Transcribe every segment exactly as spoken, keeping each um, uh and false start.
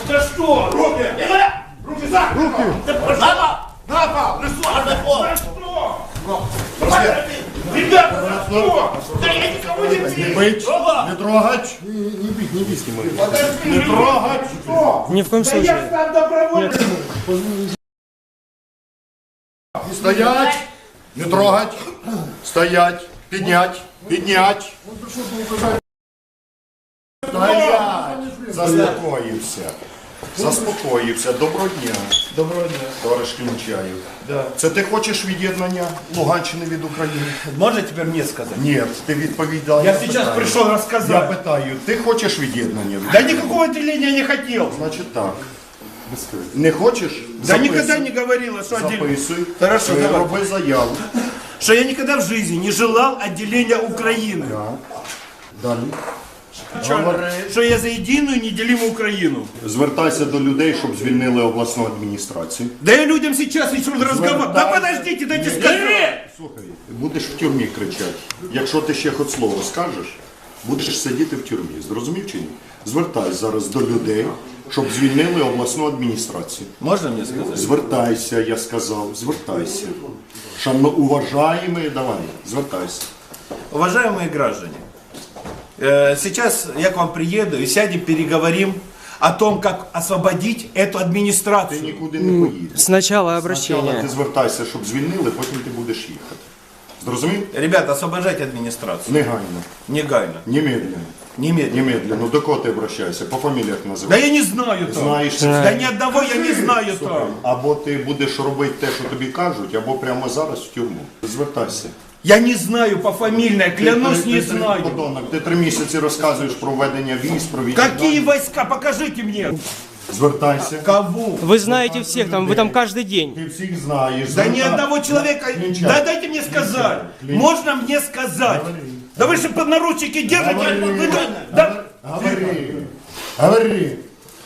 За что? Руки! Руки за! Руки! На пол! На пол! За что? Ребята, за что? Да я никого не бью! Не бить, не трогать. Не, не бить, не бить, не Не трогать. Что? Ни в коем Да случае. я сам добровольно! Стоять, не трогать. Стоять, піднять, піднять. Стоять. Заспокоївся. Заспокоївся. Доброго дня. Доброго дня. Товариш Клінчаєв. Да. Це ти хочеш від'єднання Луганщини від України? Можно теперь мне сказать? Ні, ти відповідав. Я сейчас пришел Я рассказать. питаю, ти хочеш від'єднання? Да никакого отделения не хотел. Значить так. Не хочеш? Да Записуй. никогда не говорила, что отделение. Записуй. Хорошо, Е, давай. роби заяву. Что я никогда в жизни не желал отделения Украины. Так. Далі. Что, что я за единую неделимую Украину. Звертайся до людей, щоб звільнили обласну адміністрацію. Да я людям сейчас еще разговариваю. Да подождите, дайте сказать. Слухай, будеш в тюрмі кричати. Якщо ти ще хоч слово скажеш, будеш сидіти в тюрмі. Зрозумів чи ні? Звертайся зараз до людей, щоб звільнили обласну адміністрацію. Можно мне сказать? Звертайся, я сказав, звертайся. Шановно, уважаємо, давай, звертайся. Уважаемые граждане, э, сейчас я к вам приеду и сядем, переговорим о том, как освободить эту Ти администрацию. нікуди не поїдеш. Сначала Спочатку обращение. ти звертайся, щоб звільнили, потім ти будеш їхати. Зрозумів? Ребята, освобождайте администрацию. Негайно, Негайно. немедленно. Немедленно. Немедленно. До кого ти обращаєшся? По фаміліях Да називай. я не знаю там. Знаєш, Да ни одного я не знаю там. або ти будеш робити те, що тобі кажуть, або прямо зараз в тюрму. Звертайся. Я не знаю по фамильной, клянусь, Ти- не ти- ти- знаю. подонок, ти три місяці розказуєш про введення військ, про Какие від'єднання. войска? Покажите мне. Звертайся. Кого? Вы знаете всех там, вы там каждый день. Ти всіх знаєш. Да ни Звертай- одного человека. Клинчак. Да дайте мне сказать. Клинчак. Можно мне сказать? Да вы же под наручники держите. Говори. Вы- вы- да. Говори. Говори.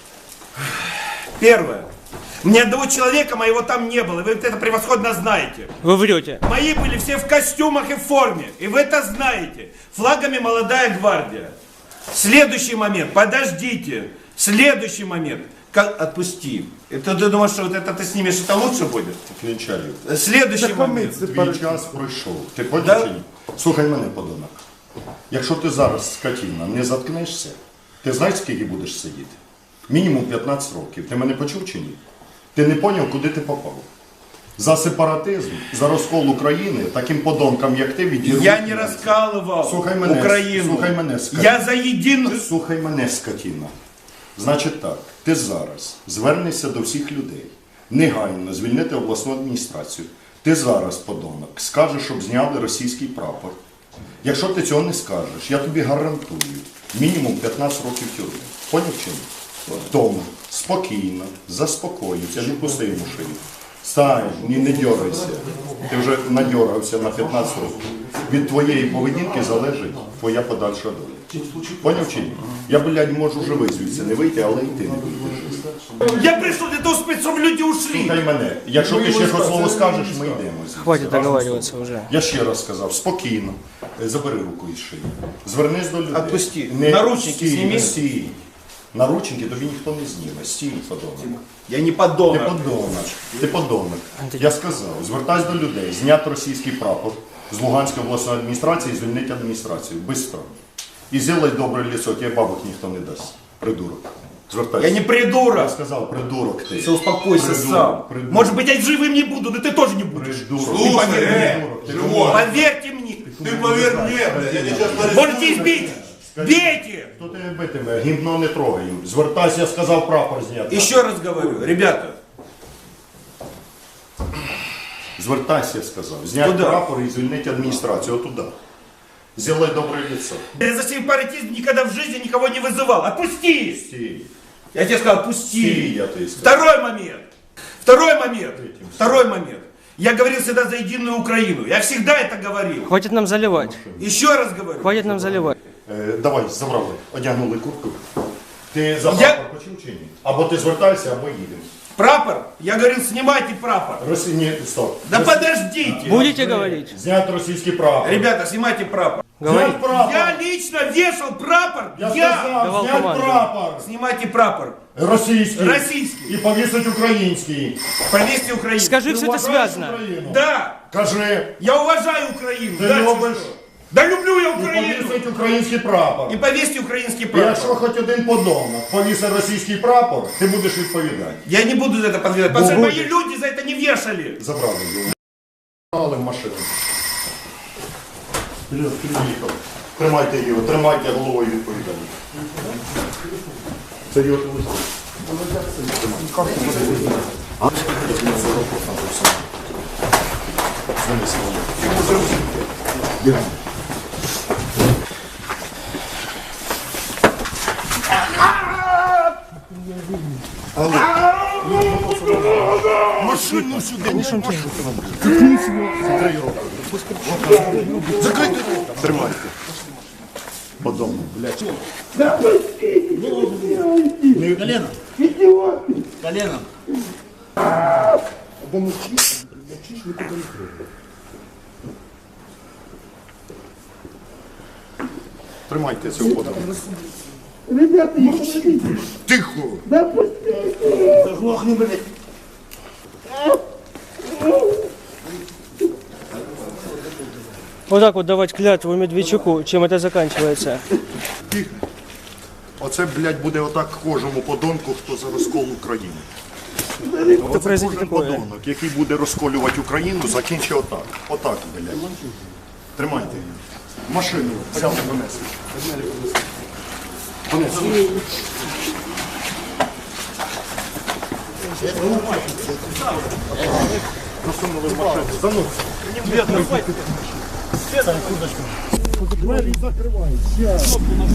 Первое. Ни одного человека моего там не было. Вы это превосходно знаете. Вы врете. Мои были все в костюмах и в форме. И вы это знаете. Флагами молодая гвардия. Следующий момент. Подождите. Следующий момент. Как... Отпусти. Это ты думаешь, что вот это ты снимешь, это лучше будет? Клінчаю. Следующий момент. Твій час пройшов. Ти Да? поняв чи ні? Слухай мене, подонок. Якщо ти зараз, скотіна, не заткнешся, ти знаєш, скільки будеш сидіти? Мінімум п'ятнадцять років. Ти мене почув чи ні? Ти не поняв, куди ти попав? За сепаратизм, за розкол України, таким подонкам, як ти, відірвуть. Я не раскалывал Слухай мене, Украину. слухай мене, скотина. Я за единую... Слухай мене, скотіна. Значить так, ти зараз звернешся до всіх людей, негайно звільнити обласну адміністрацію. Ти зараз, подонок, скажеш, щоб зняли російський прапор. Якщо ти цього не скажеш, я тобі гарантую мінімум п'ятнадцять років тюрми. Поняв чи ні? Тому спокійно, заспокоївся, не пусти йому шию. Стань, ні, не дьорайся. Ти вже надьорався на п'ятнадцять років. Від твоєї поведінки залежить твоя подальша доля. Поняв чи ні? Я, блядь, можу живий звідси не вийти, але і ти не вийдеш. Я пришел для того, чтобы люди ушли. Слухай мене, якщо ти ще хоч слово скажеш, ми йдемо. звідси. Хватит Разом договариваться з тобою. уже. Я ще раз сказав, спокійно, Е, забери руку із шиї. Звернись до людей. Отпусти. Наручники стій, сними. не стій. Наручники тобі ніхто не зніме. Стій, подонок. Я не Ти подонок. подонок. Ти подонок. Я сказав, звертайся до людей, зняти російський прапор з Луганської обласної адміністрації і звільнити адміністрацію. Бистро. І зробай добре лицо, тебе бабок ніхто не дасть. Придурок. Звертайся. Я не придурок. Я сказав, придурок ти. Все, успокойся Придурок, сам. придурок. Может быть, я живым не буду, да ты тоже не будешь. Придурок. Ты поверь мне. Придурок. Ти живой. Поверьте мне. Ты поверь мне, блядь, я тебя сейчас Можете избить. Бейте. Хто тебе битиме? Гімно не трогаємо. Звертайся, я сказав, прапор зняти. Еще раз говорю, ребята, Звертайся, я сказав. Зняти Куда? прапор і звільнити адміністрацію. Отуда. Зілай добре лицо. я за сепаратизм никогда в жизни никого не вызывал. Отпусти. Стій. Я тебе сказал, Стій, отпусти. я тобі сказав. Второй момент. Второй момент. Второй момент. Я говорил всегда за единую Украину. Я всегда это говорил. Хватит нам заливать. Еще раз говорю. Хватит нам заливать. Е, давай, забрали. Одягнули куртку. Ти за Я- прапор почув чи ні? Або ти звертайся, або їдемо. Прапор? Я говорил, снимайте прапор. Росі... Ні, стоп. Да Росі- подождите. Будете говорить? Зняти російський прапор. Ребята, снимайте прапор. Говори. Знять прапор. Я лично вешал прапор. Я Я. сказав, Давав знять команду. прапор. Снимайте прапор. Російський. Російський. І повісить український. Повесьте Украину. Скажи, Ти все это вважаєш связано. Україну? Да. Кажи. Я уважаю Украину. Ти Дальше любиш. что? Да люблю я І Украину. повісить український прапор. И повесьте украинский І якщо прапор. хоч один подонок повісить російський прапор, ти будеш відповідати. Я не буду за это подвергать, потому что мои люди за это не вешали. Забрали його. Забрали в машину. Вперед, приїхав. Тримайте його, тримайте головою відповідальність. Це його телефон. А? Занеси його. Бігай. Машину сюди. Закрийте. Тримайте. Подобно, блядь. Колено. Колено. Тримайте цього подобно. Ребята, я хочу. Тихо. Да пустите. Заглохни, блядь. Вот так вот давать клятву Медведчуку, чем это заканчивается. Тихо. Оце, блядь, буде отак кожному подонку, хто за розкол України. Оце произойде кожен такое. подонок, який буде розколювати Україну, закінчить отак. Отак, блядь. Тримайте її. Машину взяли, донесли. Донесли. Засунули в машину. Заносили. Двері закривають.